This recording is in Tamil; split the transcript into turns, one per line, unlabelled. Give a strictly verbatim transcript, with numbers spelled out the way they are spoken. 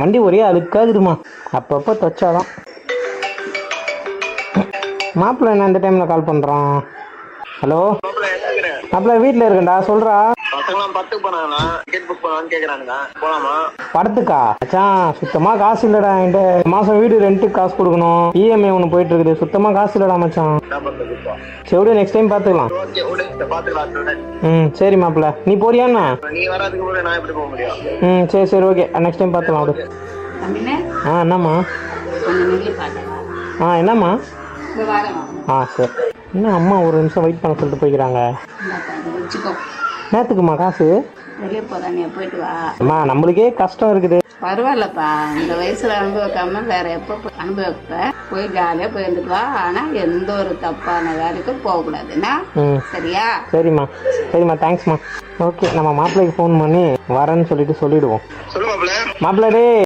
வண்டி ஒரே அழுக்காகுதுமா, அப்பப்போ துவைச்சாதான். மாப்பிள்ள என்ன இந்த டைமில் கால் பண்ணுறான்? ஹலோ மாப்பிள்ள, வீட்டில் இருக்கேன்டா, சொல்கிறா. படத்துக்கா மச்சான்? சுத்தமாக காசு இல்லைடா என்கிட்ட. மாதம் வீடு ரெண்ட்டுக்கு காசு கொடுக்கணும், இஎம்ஐ ஒன்று போயிட்டு இருக்குது, சுத்தமாக காசு இல்லைடா மச்சான். சரி விடு, நெக்ஸ்ட் டைம் பார்த்துக்கலாம். ம் சரி மாப்பிள்ள, நீ போறியாண்ணா? ம் சரி சரி ஓகே, நெக்ஸ்ட் டைம் பார்த்துக்கலாம் விடு. ஆ என்னம்மா? ஆ என்னம்மா? ஆ சரி. என்ன அம்மா ஒரு நிமிஷம் வெயிட் பண்ண சொல்லிட்டு போய்க்கிறாங்க. நேற்றுக்குமா காசு?
வெளியே போதான், நீ போயிட்டு வா.
அம்மா நம்மளுக்கே கஷ்டம் இருக்குது.
பரவாயில்லப்பா, இந்த வயசுல அனுபவிக்காம வேற எப்போ அனுபவிப்ப, போய் ஜாலியா போயிருந்துட்டு வா. ஆனா எந்த ஒரு தப்பான வேலைக்கும் போகக்கூடாதுன்னா சரியா?
சரிம்மா சரிம்மா, தேங்க்ஸ்மா. ஓகே, நம்ம மாப்பிள்ளைக்கு ஃபோன் பண்ணி வரேன்னு சொல்லிட்டு சொல்லிடுவோம். மாப்பிள்ளை டே